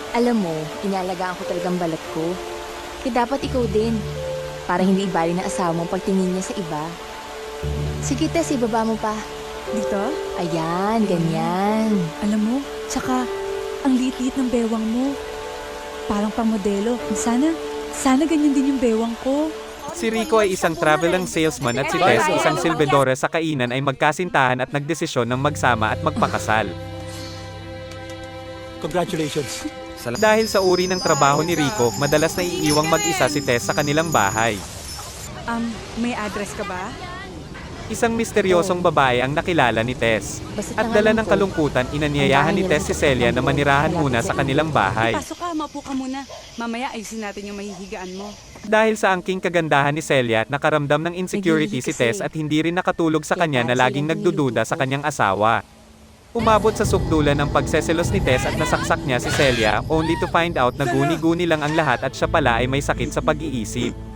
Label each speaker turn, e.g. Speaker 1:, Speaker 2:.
Speaker 1: Alam mo, inaalagaan ko talagang balat ko. Kaya dapat ikaw din. Para hindi ibali ng asawa mo pagtingin niya sa iba. Sige, Tess, ibaba mo pa.
Speaker 2: Dito?
Speaker 1: Ayan, ganyan.
Speaker 2: Alam mo, tsaka ang liit-liit ng bewang mo. Parang pang modelo. Sana ganyan din yung bewang ko.
Speaker 3: Si Rico ay isang traveling salesman at si Tess, isang silbidora sa kainan, ay magkasintahan at nagdesisyon ng magsama at magpakasal.
Speaker 4: Congratulations.
Speaker 3: Dahil sa uri ng trabaho ni Rico, madalas na iiwang mag-isa si Tess sa kanilang bahay.
Speaker 2: May address ka ba?
Speaker 3: Isang misteryosong babae ang nakilala ni Tess.
Speaker 1: Basta
Speaker 3: At dala ng kalungkutan, inanyayahan ni Tess si Celia na manirahan muna sa kanilang bahay.
Speaker 2: Pasok ka, maupo ka muna. Mamaya ayusin natin yung mahihigaan mo.
Speaker 3: Dahil sa angking kagandahan ni Celia, nakaramdam ng insecurity si Tess at hindi rin nakatulog sa kanya na laging nagdududa sa kanyang asawa. Umabot sa sukdulan ng pagseselos ni Tess at nasaksak niya si Celia, only to find out na guni-guni lang ang lahat at siya pala ay may sakit sa pag-iisip.